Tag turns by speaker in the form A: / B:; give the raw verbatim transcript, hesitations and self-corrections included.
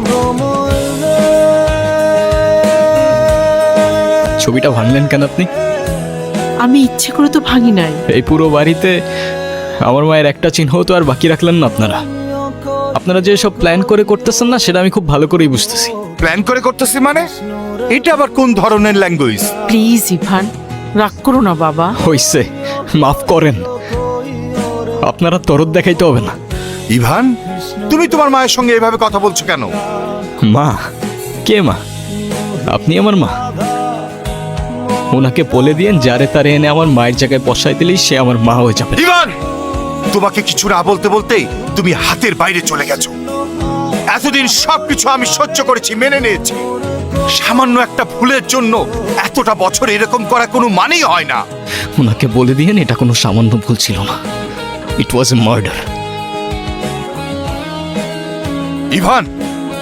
A: ছবিটা ভাঙলেন কেন আপনি?
B: আমি ইচ্ছে করে তো ভাঙি নাই।
A: এই পুরো বাড়িতে আমার মায়ের একটা চিহ্ন তো আর বাকি রাখলেন না আপনারা। আপনারা যে সব প্ল্যান করে করতেছেন না, সেটা আমি খুব ভালো করেই বুঝতেছি।
C: প্ল্যান করে করতেছি মানে? এটা আবার কোন ধরনের ল্যাঙ্গুয়েজ?
B: প্লিজ ইভান, রাগ করো না বাবা।
A: হইছে, মাফ করেন। আপনারা তরদ দেখাইতে হবে না।
C: ইভান, তুমি তোমার মায়ের সঙ্গে এভাবে কথা বলছো কেন?
A: মা? কে মা? আপনি আমার মা? ওনাকে বলে দিয়েন যারে তারে এনে আমার মায়ের জায়গায় বসাই দিলেই সে আমার মা হয়ে যাবে।
C: ইভান, তোমাকে কিছু না বলতে বলতেই তুমি হাতের বাইরে চলে গেছো। এতদিন সবকিছু আমি সহ্য করেছি, মেনে নিয়েছি। সামান্য একটা ভুলের জন্য এতটা বছর এরকম করা কোনো মানেই হয় না।
A: ওনাকে বলে দিয়েন এটা কোনো সামান্য ভুল ছিল না। ইট ওয়াজ এ মার্ডার।
C: ইভান,